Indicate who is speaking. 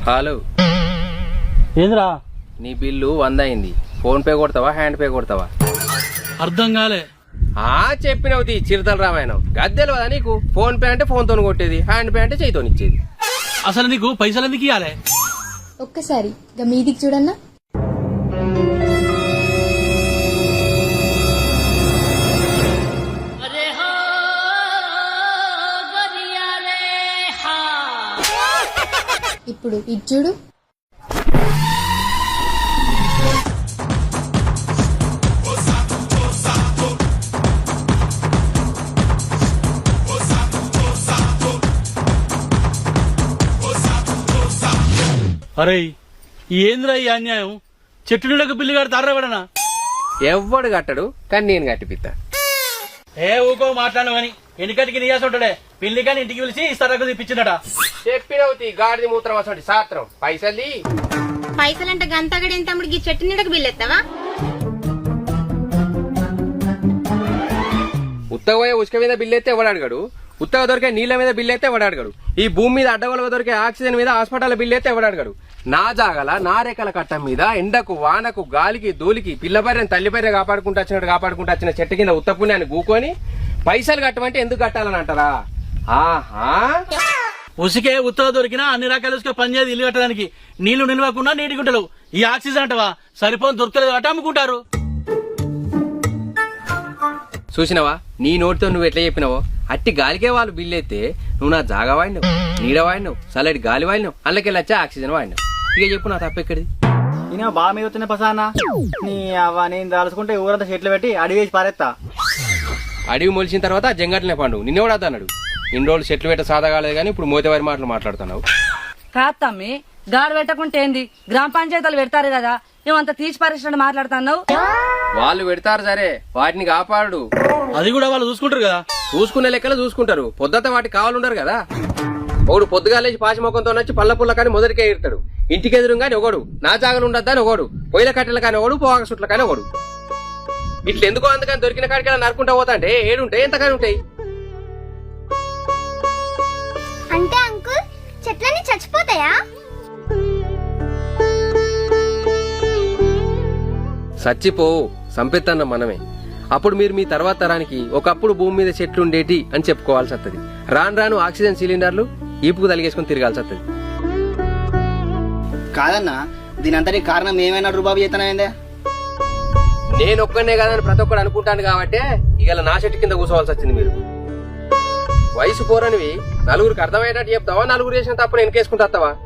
Speaker 1: Hello
Speaker 2: ఏంద్రా
Speaker 1: నీ bill 100 అయింది. ఫోన్ పే కొడతావా హ్యాండ్ పే కొడతావా?
Speaker 2: అర్థం కాలే.
Speaker 1: చెప్పినవుతి చిరుతల రామాయణం గద్దెలు కదా నీకు. ఫోన్ పే అంటే ఫోన్ తోని కొట్టేది, హ్యాండ్ పే అంటే చేయితోని ఇచ్చేది.
Speaker 2: అసలు నీకు పైసలు ఎందుకు ఇవ్వాలి?
Speaker 3: ఒక్కసారి మీదికి చూడన్నా. ఇప్పుడు ఇది చూడు.
Speaker 2: అరే ఏంద్రా ఈ అన్యాయం? చెట్టు నీడకు బిల్లు కడతారా ఎవడనా?
Speaker 1: ఎవ్వడు కట్టడు, కానీ నేను కట్టిపిత్తా.
Speaker 2: ఊకో మాట్లాడు అని ఎన్నికటికి నీయాసి ఉంటాడే. పిల్లి కానీ ఇంటికి పిలిచి ఇస్తారకు తెప్పించిందట.
Speaker 1: చెప్పినవుతి గాడిది మూత్రం అసలు సాత్రం.
Speaker 4: పైసలంటే గంతగడేం తమ్ముడికి చెట్టు నీడకు బిల్లెత్తావా?
Speaker 1: ఉత్తగా పోయే ఉసుక మీద బిల్లు అయితే ఎవడు అడగడు, ఉత్తగా దొరికే నీళ్ల మీద బిల్లు అయితే ఎవడు అడగడు, ఈ భూమి మీద అడ్డగొలగా దొరికే ఆక్సిజన్ మీద హాస్పిటల్ బిల్లు అయితే ఎవడు అడగడు. నా జాగల నా రేఖల కట్టం మీద ఎండకు వానకు గాలికి ధూళికి పిల్లపర్రెని తల్లిపర్రె కాపాడుకుంటూ వచ్చిన చెట్టు కింద ఉత్తపుణ్యాన్ని గూకొని పైసలు కట్టమంటే ఎందుకు కట్టాలని అంటారా? ఆహా,
Speaker 2: ఉసికే ఉత్తగా దొరికినా అన్ని రకాల ఉసుక పనిచేది ఇల్లు కట్టడానికి. నీళ్లు నిలవకుండా నీటి గుంటలు. ఈ ఆక్సిజన్ అంటవా సరిపోని దొరకలేదు అట అమ్ముకుంటారు.
Speaker 1: చూసినవా నీ నోటితో నువ్వు ఎట్లా చెప్పినావో అట్టి గాలికే వాళ్ళు బిల్లు అయితే నువ్వు నా జాగా వాడినావు, నీడ వాడినావు, చల్లటి గాలి వాడినావు, అందులోకెళ్ళి వచ్చా ఆక్సిజన్ వాడినావు. ఇక చెప్పు నా తప్పెక్కడిది?
Speaker 5: నేను బాగా మీద వచ్చిన పసానా నీ అవ్వ నేను దాల్చుకుంటే ఊరంతా చెట్లు పెట్టి అడిగి వేసి పారేస్తా.
Speaker 1: అడవి మొలిచిన తర్వాత జంగట్లనే పండు నిన్నెవడా అన్నాడు? ఇన్ని రోజులు చెట్లు పెట్ట సాదా కాలేదు కానీ ఇప్పుడు మోతేవారి మాటలు మాట్లాడుతున్నావు.
Speaker 6: కాదు తమ్మి, గాడు పెట్టకుంటే ఏంది? గ్రామ పంచాయతీలు పెడతారు కదా, నువ్వంత తీసి పరిశ్రమ మాట్లాడుతున్నావు.
Speaker 1: వాళ్ళు పెడతారు సరే, వాటిని కాపాడు.
Speaker 2: అది కూడా వాళ్ళు చూసుకుంటారు కదా.
Speaker 1: చూసుకునే లెక్కలు చూసుకుంటారు, పొద్దుత వాటికి కావాలుండరు కదా. ఒకడు పొద్దుగాలేసి పాచి మొక్కంతో వచ్చి పళ్ళ పుల్ల కానీ మొదటికే ఇడతాడు. ఇంటికి ఎదురు కానీ ఒకడు, నా జాగలు ఉండద్దా అని ఒకడు, పొయ్యిల కట్టెలు కానీ ఒకడు, పోగా సుట్ల కానీ ఒకడు. ఇట్లా ఎందుకో అందుకని దొరికిన కాడికి నరుకుంటా పోతా అంటే ఏడుంటాయి ఎంతకాని ఉంటాయి.
Speaker 4: అంటే అంకుల్ చెట్లన్నీ చచ్చిపోతాయా?
Speaker 1: సచ్చిపోవు, సంపెత్తన్న మనమే. అప్పుడు మీరు మీ తర్వాత తరానికి ఒకప్పుడు భూమి మీద చెట్లు ఉండేటి అని చెప్పుకోవాల్సి వస్తుంది. రాను రాను ఆక్సిజన్ సిలిండర్లు ఈపుకు తలిగేసుకుని తిరగాల్సి వస్తుంది.
Speaker 5: కాదన్నా దీనంతటి కారణం ఏమైనా రూబాబు చేతనైందే?
Speaker 1: నేను ఒక్కనే కాదని ప్రతి ఒక్కడు అనుకుంటాను కాబట్టి ఇవాళ నా చెట్టు కింద కూర్చోవాల్సి వచ్చింది. మీరు వయసు పోరనివి నలుగురికి అర్థమయ్యేటట్టు చెప్తావా, నలుగురు చేసిన తప్పుడు వెనకేసుకుంటావా?